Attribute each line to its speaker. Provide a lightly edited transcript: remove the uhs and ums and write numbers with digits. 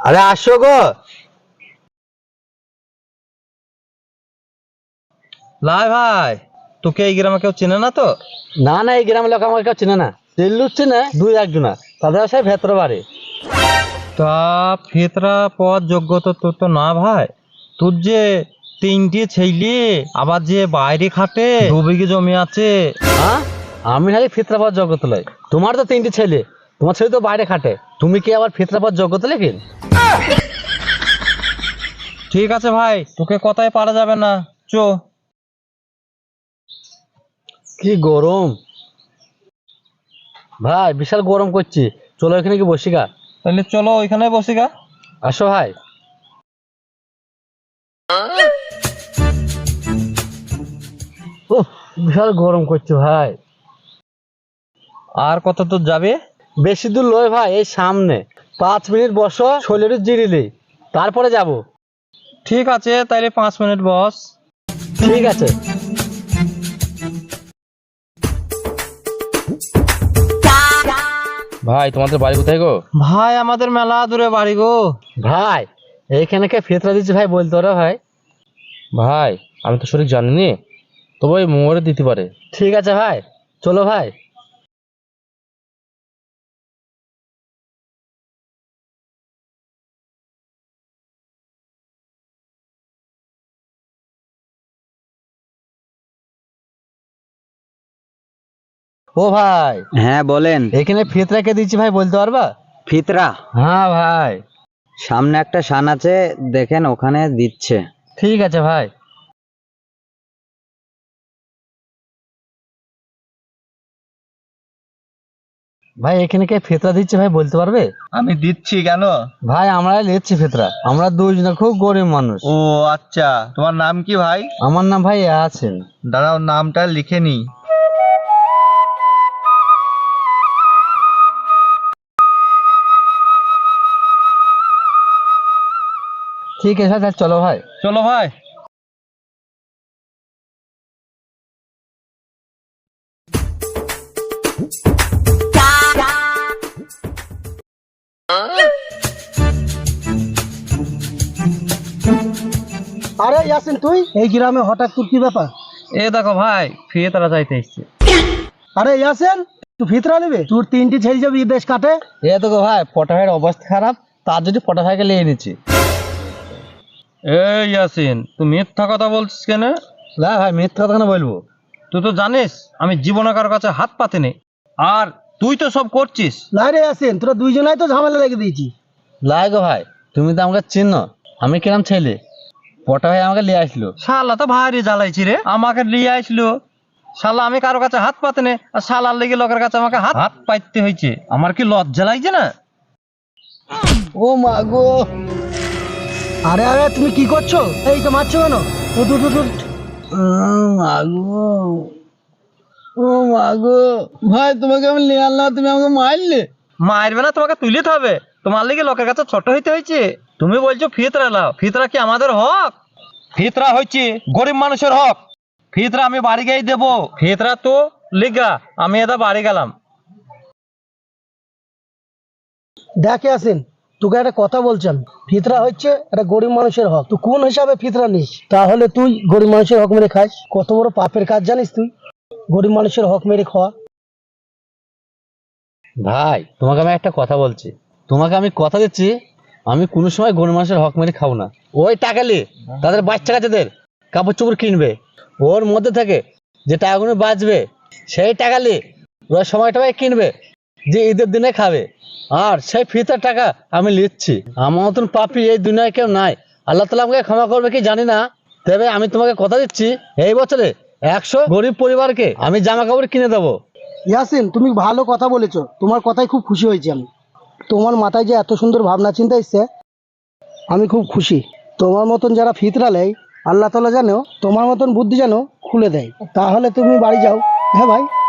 Speaker 1: আরে আসো গো।
Speaker 2: লাই ভাই, তোকে এই গ্রামে কেউ চেনে না তো?
Speaker 1: না না, এই গ্রামের লোক আমাকে কেউ চেনে না। চিল্লু চেনে দুই একজনা, তাদের সে ভেতরে বাড়ি।
Speaker 2: তা ফেতরা পদ যোগ্যতা তোর তো না ভাই। তোর যে তিনটে ছেলে, আবার যে বাইরে খাটে, 2 বিঘে জমি আছে।
Speaker 1: হ্যাঁ, আমি খালি ফিতরাবাদ জগত লয়। তোমার তো তিনটি ছেলে, তোমার ছেলে তো বাইরে খাটে, তুমি কি আবার ফিতরাবাদ জগত লেখেন?
Speaker 2: ঠিক আছে ভাই, তোকে কথায় পারা যাবে না, চো।
Speaker 1: কি গরম ভাই, বিশাল গরম করছি। চলো এখানে কি বসি গা।
Speaker 2: তাহলে চলো ওইখানে বসি গা।
Speaker 1: আসো ভাই। ও, বিশাল গরম করছে ভাই।
Speaker 2: আর কত দূর যাবে?
Speaker 1: বেশি দূর লয় ভাই, এই সামনে 5 মিনিট বসো, শরীরে জিরিলি, তারপরে যাব।
Speaker 2: ঠিক আছে, তাইলে 5 মিনিট বস।
Speaker 1: ঠিক আছে।
Speaker 3: ভাই তোমাদের বাড়ি কোথায় গো?
Speaker 2: ভাই আমাদের মেলা দূরে বাড়ি গো।
Speaker 1: ভাই এইখানে কে ফিতরা দিচ্ছে ভাই, বলতে পারো ভাই?
Speaker 3: ভাই আমি তো সঠিক জানিনি, তবে ওই মোড়ে দিতে পারে।
Speaker 1: ঠিক আছে ভাই, চলো ভাই। ও ভাই,
Speaker 4: হ্যাঁ বলেন।
Speaker 1: এখানে ফিতরা কে দিচ্ছি ভাই, বলতে পারবা?
Speaker 4: ফিতরা
Speaker 1: হ্যাঁ ভাই।
Speaker 4: সামনে একটা শান আছে, দেখেন ওখানে দিচ্ছে।
Speaker 1: ঠিক আছে ভাই। ভাই এখানে কে ফিতরা দিচ্ছে ভাই, বলতে পারবে?
Speaker 2: আমি দিচ্ছি কেন?
Speaker 1: ভাই আমরা নিচ্ছি ফিতরা, আমরা দুইজনে খুব গরিব মানুষ।
Speaker 2: ও আচ্ছা, তোমার নাম কি ভাই?
Speaker 1: আমার নাম ভাই আছেন।
Speaker 2: দাঁড়াও, নামটা লিখে নি।
Speaker 1: ঠিক আছে ভাই, চলো ভাই।
Speaker 2: চলো ভাই।
Speaker 5: আরে ইয়াসিন, তুই এই গ্রামে হঠাৎ তোর কি ব্যাপার?
Speaker 2: এ দেখো ভাই, ফেতরা যাইতে এসছে।
Speaker 5: আরে ইয়াসিন, তুই ফিতরা নেবে? তোর 3টি ছেলে যাবে বিদেশ কাটে।
Speaker 1: এ তো গো ভাই, পটা ভাইয়ের অবস্থা খারাপ, তার যদি পটা ভাইকে নিয়ে নিচ্ছি।
Speaker 2: এই ইয়াসিন, তুই মিথ্যা কথা বলছিস কেন?
Speaker 1: না ভাই, মিথ্যা কথা কেন বলবো?
Speaker 2: তুই তো জানিস আমি জীবনে কারো কাছে হাত পাতিনি, আর তুই তো সব করছিস।
Speaker 5: না রে ইয়াসিন, তোরা দুইজনাই তো ঝামেলা লেগে দিয়েছি।
Speaker 1: লাই গো ভাই, তুমি তো আমাকে চিনো, আমি কিরম ছেলে। পটা ভাই আমাকে নিয়ে আসলো।
Speaker 2: শালা তো ভারী জ্বালাইছি রে, আমাকে নিয়ে আসলো। শালা আমি কারো কাছে হাত পাতিনি, আর শালার লেগে লোকের কাছে আমাকে হাত হাত পাইতে হয়েছে। আমার কি লজ্জা লাগছে না?
Speaker 1: ও মা গো।
Speaker 5: আরে আরে, তুমি কি করছো? এই তো মারছো কেন? উঠ, উঠ, উঠ, উঠ।
Speaker 1: মাগো, ও মাগো, ভাই তোমাকে আমি নিয়ে আনলাম, তুমি আমাকে মারলে।
Speaker 2: মারবে না, তোমাকে তুলিতে হবে। তোমার লেগে লোকের কাছে ছোট হইতে হয়েছে। তুমি বলছো ফিতরা লাও, ফিতরা কি আমাদের হক? ফিতরা হচ্ছে গরিব মানুষের হক। ফিতরা আমি বাড়ি গিয়ে দেবো। ফিতরা তো লিগা আমি এটা বাড়ি গেলাম।
Speaker 5: দেখ ইয়াসিন, তোকে একটা কথা বলছেন, ফিতরা হচ্ছে একটা গরিব মানুষের হক। তুই কোন হিসাবে ফিতরা নিস? তাহলে তুই গরিব মানুষের হক মেরে খাস? কত বড় পাপের কাজ জানিস তুই, গরিব মানুষের হক মেরে খাওয়া।
Speaker 1: ভাই তোমাকে আমি একটা কথা বলছি, তোমাকে আমি কথা দিচ্ছি, আমি কোনো সময় গরিব মানুষের হক মেরে খাবো না। ওই টাকা নিয়ে তাদের বাচ্চা কাচ্চাদের কাপড় চোপড় কিনবে, ওর মধ্যে থেকে যে টাকাগুলো বাঁচবে সেই টাকা নিয়ে ওরা সময় টময় কিনবে, যে ঈদের দিনে খাবে। আর সেই ফিতার টাকা আমি নিচ্ছি। আমার মতন পাপি এই দুনিয়ায় কেউ নাই। আল্লাহ তাআলা আমাকে ক্ষমা করবে কি জানি না, তবে আমি তোমাকে কথা দিচ্ছি, এই বছরে 100 গরিব পরিবারকে আমি জামা কাপড় কিনে দেবো।
Speaker 5: ইয়াসিন, তুমি ভালো কথা বলেছো, তোমার কথায় খুব খুশি হয়েছি আমি। তোমার মাথায় যে এত সুন্দর ভাবনা চিন্তা এসছে, আমি খুব খুশি। তোমার মতন যারা ফিতরা নেয়, আল্লাহ তাআলা যেন তোমার মতন বুদ্ধি যেন খুলে দেয়। তাহলে তুমি বাড়ি যাও। হ্যাঁ ভাই।